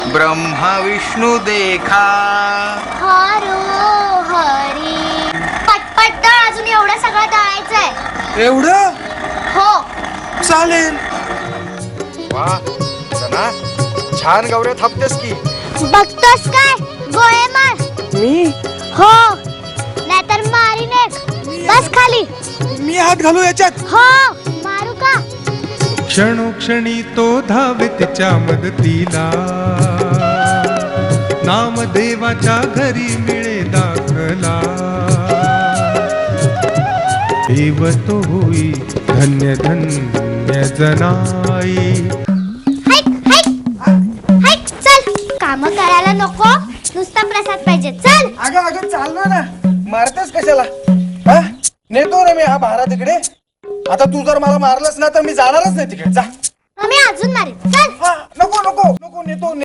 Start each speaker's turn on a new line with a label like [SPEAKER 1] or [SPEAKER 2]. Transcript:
[SPEAKER 1] ब्रह्मा विष्णू देखा.
[SPEAKER 2] हरो हरी. पटपट दळ, अजून एवढं सगळं दळायचंय.
[SPEAKER 1] एवढं
[SPEAKER 2] हो.
[SPEAKER 1] चालेल.
[SPEAKER 3] वा सना, छान गौऱ्या थापतेस की.
[SPEAKER 2] बघतोस काय? गोळे मार.
[SPEAKER 1] मी
[SPEAKER 2] हो, नाहीतर मारीन एक. बस खाली.
[SPEAKER 1] मी हात घालू याच्यात.
[SPEAKER 2] हो, मारू का?
[SPEAKER 4] क्षणोक्षणी तो धावे तिच्या मदतीला, नामदेवाच्या घरी मिळे दाखला. देव तो होई धन्य धन्य जनाई.
[SPEAKER 2] Hike, hike. हाईक, चल. काम करायला नको, नुसता प्रसाद पाहिजे. चल.
[SPEAKER 3] अगं अगं चालणार ना, मारतेस कशाला? हा? नेतो ना मी हा भारा तिकडे. आता तू जर मला मारलंस ना तर मी जाणारच नाही तिकडे. जा.
[SPEAKER 2] मी अजून मारीन. चल.
[SPEAKER 3] नको नको नको, नेतो.